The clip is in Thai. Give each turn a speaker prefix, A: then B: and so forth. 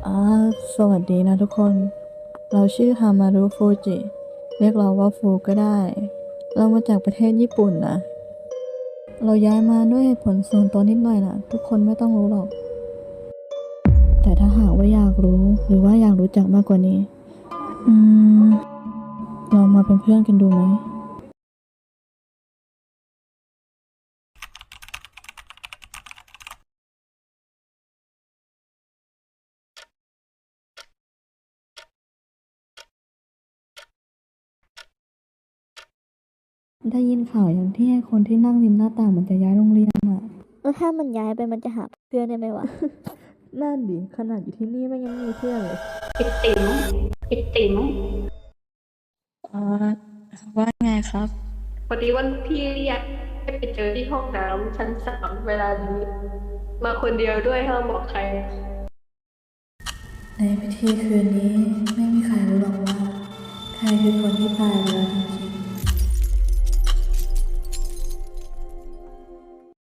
A: อ่าสวัสดีนะทุกคน เราชื่อฮามารุฟูจิ เรียกเราว่าฟูก็ได้ เรามาจากประเทศญี่ปุ่นนะ เราย้ายมาด้วยเหตุผลส่วนตัวนิดหน่อยนะทุกคนไม่ต้องรู้หรอก แต่ถ้าหากว่าอยากรู้หรือว่าอยากรู้จักมากกว่านี้ อืมเรามาเป็นเพื่อนกันดูไหม ได้ยินข่าวอย่างที่ให้คนที่นั่งริมหน้าต่างมันจะย้ายโรงเรียนอ่ะ
B: แล้วถ้ามันย้ายไปมันจะหาเพื่อนได้ไหมวะ
A: นั่นดิขนาดอยู่ที่นี่มันยังไม่มีเพื่อนเลย
C: ไอติ๋มไอติ๋ม
A: อ่าว่าไงครับ
C: พอดีวันพี่เรียกให้ไปเจอที่ห้องน้ำชั้น3เวลานี้มาคนเดียวด้วยห้ามบอกใคร
A: ในพิธีคืนนี้ไม่มีใครรู้หรอกว่าใครคือคนที่ตายไปแล้วจริง